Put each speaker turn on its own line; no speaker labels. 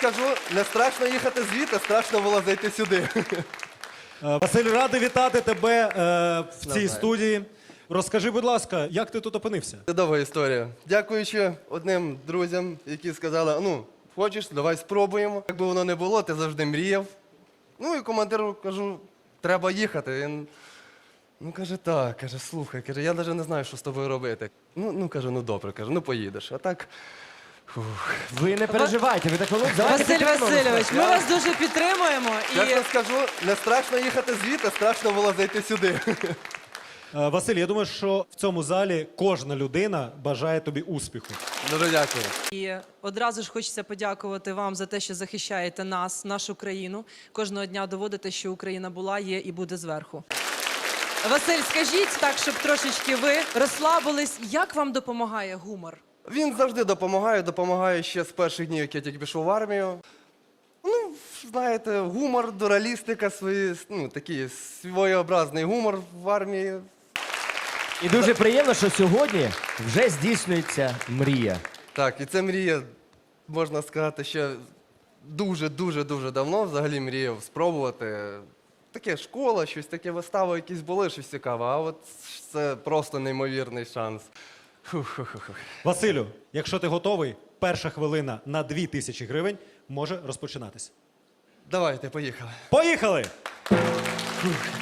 скажу, не страшно їхати звідти, страшно було зайти сюди.
Василь, радий вітати тебе в цій
Давай.
студії. Розкажи, будь ласка, як ти тут опинився?
Це довга історія. Дякуючи одним друзям, які сказали, ну, хочеш, давай спробуємо. Як би воно не було, ти завжди мріяв. Ну і командиру кажу, треба їхати. Він, ну, каже, так, каже, слухай, каже, я навіть не знаю, що з тобою робити. Ну, каже, ну добре, каже, ну поїдеш. А так,
Ви не переживайте, ви так давайте
Василь
підтримуємо.
Васильович, ми вас дуже підтримуємо.
чесно скажу, не страшно їхати звідти, страшно було зайти сюди.
Василь, я думаю, що в цьому залі кожна людина бажає тобі успіху.
Дуже дякую.
І одразу ж хочеться подякувати вам за те, що захищаєте нас, нашу країну. Кожного дня доводите, що Україна була, є і буде зверху. Василь, скажіть так, щоб трошечки ви розслабились. Як вам допомагає гумор?
Він завжди допомагає ще з перших днів, як я тільки пішов в армію. Ну, знаєте, гумор, дуралістика, такий своєобразний гумор в армії.
І дуже приємно, що сьогодні вже здійснюється мрія.
Так, і це мрія, можна сказати, ще дуже давно взагалі мріяв спробувати. Таке школа, щось таке, вистави якісь були, щось цікаве, а от це просто неймовірний шанс. Фух.
Василю, якщо ти готовий, перша хвилина на 2000 гривень може розпочинатися.
Давайте, поїхали.
Поїхали!